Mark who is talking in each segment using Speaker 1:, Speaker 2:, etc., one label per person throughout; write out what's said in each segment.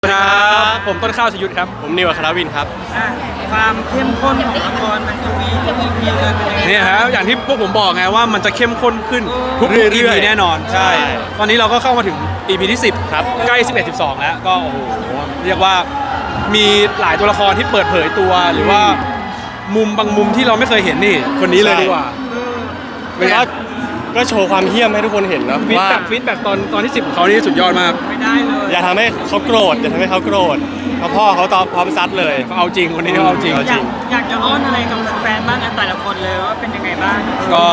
Speaker 1: ครับผมต้นข้าวชยุทธครับ
Speaker 2: ผมนิวอัครวินครับ
Speaker 3: ความเข้มข้นของละครมันจะมีทุก EP เลยเป็นยังไง
Speaker 1: นี่ครับอย่างที่พวกผมบอกไงว่ามันจะเข้มข้นขึ้นทุก EP แน่นอนใช่ตอนนี้เราก็เข้ามาถึง EP ที่10ครับใกล้11 12แล้วก็โอ้โหเรียกว่ามีหลายตัวละครที่เปิดเผยตัวหรือว่ามุมบางมุมที่เราไม่เคยเห็นนี่คนนี้เลยดีกว่า
Speaker 2: ก็โชว์ความเหี้ยมให้ทุกคนเห็นนะ
Speaker 1: ฟีดแบ็กตอนที่10ของเขานี่สุดยอดมาก
Speaker 3: ไม่ได้เลย
Speaker 2: อย่าทำให้เขาโกรธอย่าทำให้เขาโกรธเพราะพ่อเขาตอบพร้อมซัดเลย
Speaker 1: เขาเอาจริงคนนี้เขาเอาจริง
Speaker 3: อยากจะอ้อนอะไรกับแฟนๆบ้างแต่ละคนเลยว่าเป็นยังไงบ้าง
Speaker 1: ก็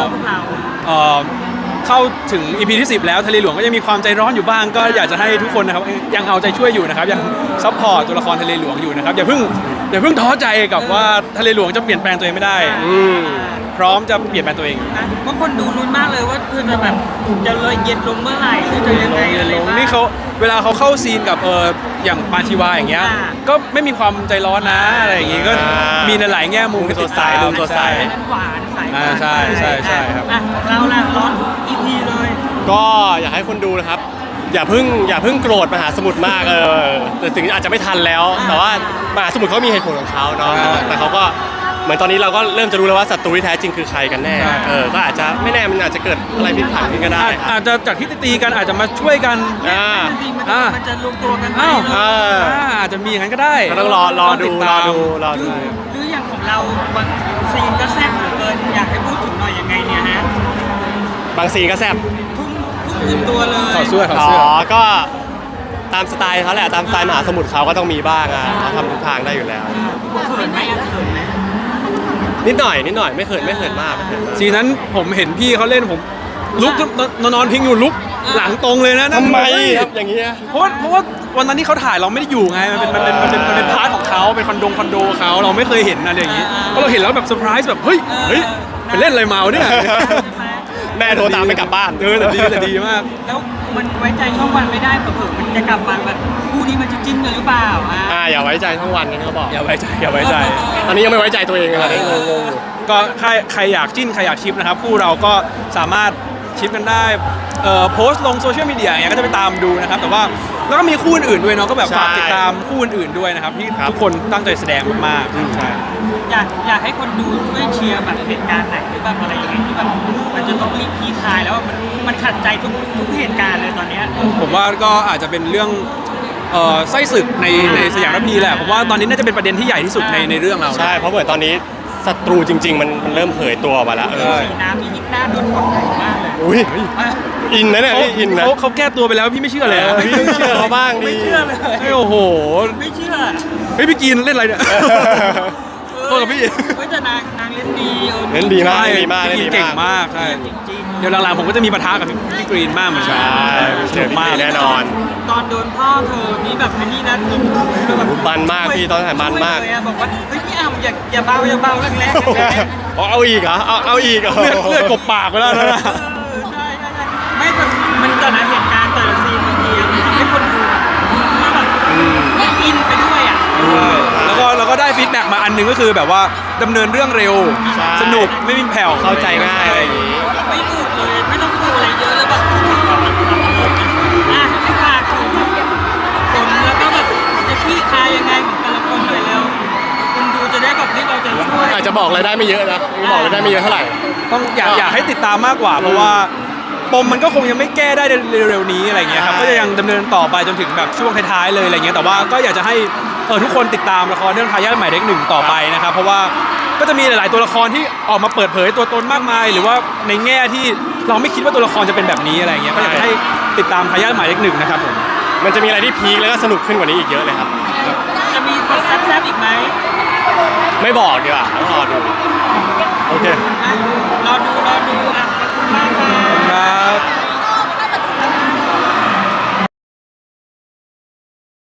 Speaker 1: เข้าถึง EP ที่10แล้วทะเลหลวงก็ยังมีความใจร้อนอยู่บ้างก็อยากจะให้ทุกคนนะครับยังเอาใจช่วยอยู่นะครับยังซัพพอร์ตตัวละครทะเลหลวงอยู่นะครับอย่าเพิ่งท้อใจกับว่าทะเลหลวงจะเปลี่ยนแปลงตัวเองไม่ได้พร้อมจะเปลี่ยนแปลงตัวเอง
Speaker 3: บางคนดูลุ้นมากเลยว่าคือจะแบบจะเลยเย็นลงเมื่อไหร่หรือจะยังไงอะไรบ้าง
Speaker 1: นี่เขาเวลาเขาเข้าซีนกับอย่างปานชีวาอย่างเงี้ยก็ไม่มีความใจร้อนนะอะไรอย่างงี้ก็มีในหลายแง่มุม
Speaker 2: ตัวใสตัวใส
Speaker 3: หวานใส
Speaker 1: ใช่ครับ
Speaker 3: เราล่ะร้อน EP เลย
Speaker 2: ก็อยากให้คนดูนะครับอย่าเพิ่งโกรธมหาสมุทรมากแต่ถึงอาจจะไม่ทันแล้วแต่ว่ามหาสมุทรเขามีเหตุผลของเขาเนาะแต่เขาก็เหมือนตอนนี้เราก็เริ่มจะรู้แล้วว่าศัตรูที่แท้จริงคือใครกันแน่ก็อาจจะไม่แน่มันอาจจะเกิดอะไรผิดพลาดขึ้นก็ได้
Speaker 1: อาจจะจากที่ตีกันอาจจะมาช่วยกัน
Speaker 3: มันจะลงตัวกัน
Speaker 1: อาจจะมีอย่างนั้นก็ได้
Speaker 2: ต้องรอดู
Speaker 3: หรืออย่างของเราบางซีนก็แซ่บเหลือเกินอยากให้พูดถึงหน่อยยังไงเนี่ยฮะ
Speaker 2: บางซีนก็แซ่บ
Speaker 3: ขึ้นตัวเลย
Speaker 1: ขอเสื้อ
Speaker 2: ก็ตามสไตล์เขาแหละตามสไตล์มหาสมุทรเขาก็ต้องมีบ้างเขาทำทุกทางได้อยู่แล้ว
Speaker 3: เขินไหม
Speaker 2: นิดหน่อยไม่เขินมาก
Speaker 1: ซีนั้นผมเห็นพี่เขาเล่นผมลุกนอนพิงอยู่ลุกหลังตรงเลยนะ
Speaker 2: ทำไมครับอย่างเงี้ย
Speaker 1: เพราะว่าวันนั้นที่เขาถ่ายเราไม่ได้อยู่ไงมันเป็นพาร์ทของเขาเป็นคอนโดเขาเราไม่เคยเห็นอะไรอย่างงี้พอเราเห็นแล้วแบบเซอร์ไพรส์แบบเฮ้ยไปเล่นอะไรมาเนี่ย
Speaker 2: แม่โทรตามไปกลับบ้าน
Speaker 1: แต่ดีมาก
Speaker 3: แล้วมันไว้ใจช่องวันไม่ได้เผื่อมันจะกลับมาแบบคู่นี้มันจะจิ้นกันหรือเปล่า
Speaker 2: อย่าไว้ใจช่องวันกันเขาบอก
Speaker 1: อย่าไว้ใจ
Speaker 2: ตอนนี้ยังไม่ไว้ใจตัวเองเลยงง
Speaker 1: ก็ใครอยากจิ้นใครอยากชิปนะครับคู่เราก็สามารถชิปกันได้โพสต์ลงโซเชียลมีเดียอย่างเงี้ยก็จะไปตามดูนะครับแต่ว่าแล้วก็มีคู่อื่นด้วยเนาะก็แบบฝากติดตามคู่อื่นด้วยนะครับที่ทุกคนตั้งใจแสดงมากๆใช่
Speaker 3: อยากให้คนดูช่วยเชียร์แบบเหตุการณ์ไหนหรือแบบอะไรอย่างเงี้ยที่แบบมันจะต้องรีบคลี่คลายแล้วมันขัดใจทุกเหตุการณ์เลยตอนนี้
Speaker 1: ผมว่าก็อาจจะเป็นเรื่องไส้ศึกในสยามระพีแหละผมว่าตอนนี้น่าจะเป็นประเด็นที่ใหญ่ที่สุดในเรื่องเรา
Speaker 2: ใช่เพราะเหมือนตอนนี้ศัตรูจริงๆมันเริ่มเผยตัวมาแล้ว
Speaker 3: สีน้ำมียิ่งหน้าโดนกดมากเลย
Speaker 2: อุ้ยอินนะเนี่ยอินนะ
Speaker 1: เขาแก้ตัวไปแล้วพี่ไม่เชื่อเลย
Speaker 2: พี่เชื่อเขาบ้าง
Speaker 3: ไม่เชื่อเลย
Speaker 1: โอ้โห
Speaker 3: ไม่เชื่อ
Speaker 1: พี่กีนเล่นอะไรเนี่ยโทษกับพี่
Speaker 3: ไม่แต่นางเล่นดี
Speaker 2: มาก
Speaker 1: เก่งมากใช่เดี๋ยวหลังๆผมก็จะมีปะทะกับพี่กรีนมากเหมือนกัน
Speaker 2: สนุกมากแน่นอน
Speaker 3: ตอนโดนพ่อเธอนี่แบบนี่นะ
Speaker 2: มันมากพี่ตอนถ่ายมันมาก
Speaker 3: บอกว่าเฮ้ยพี่อ้ำอย่าเบาแรง
Speaker 2: เอาอีกเหรอเอาอีกเหรอ
Speaker 1: เลือดกบปากไปแล้วนะ
Speaker 3: ใช่ไม่มันแต่ละเหตุการณ์แต่ละซีนบางทีมันทำให้คนดูแบบอินไปด้วย
Speaker 1: แล้วก็ได้ฟีดแบ็กมาอันนึงก็คือแบบว่าดำเนินเรื่องเร็วสนุกไม่มีแผ่ว
Speaker 2: เข้าใจง่ายอะไรอย่างนี้
Speaker 3: ไม่อืดเลยไม่ต้องดูอะไรเยอะเลยแบบให้ฝากถึงคนแล้วก็แบบจะขี้คายยังไงของแต่ละคนเลยเร็วคนดูจะได้แบบนี้เราจะช่วย
Speaker 2: อาจจะบอกอะไรได้ไม่เยอะนะบอกอะไรได้ไม่เยอะเท่าไหร่
Speaker 1: ต้องอยากให้ติดตามมากกว่าเพราะว่าปมมันก็คงยังไม่แก้ได้เร็วๆนี้อะไรเงี้ยครับก็จะยังดำเนินต่อไปจนถึงแบบช่วงท้ายๆเลยอะไรเงี้ยแต่ว่าก็อยากจะให้ทุกคนติดตามละครเรื่องทายาทหมายเลข 1ต่อไปนะครับเพราะว่าก็จะมีหลายๆตัวละครที่ออกมาเปิดเผยตัวตนมากมายหรือว่าในแง่ที่เราไม่คิดว่าตัวละครจะเป็นแบบนี้อะไรเงี้ยก็อยากให้ติดตามทายาทหมายเลข 1นะครับผม
Speaker 2: มันจะมีอะไรที่พีคแล้วก็สนุกขึ้นกว่านี้อีกเยอะเลยครับ
Speaker 3: จะมีบทแซ่บๆอีกไหม
Speaker 2: ไม่บอกดีกว่าต้องรอดูโอเค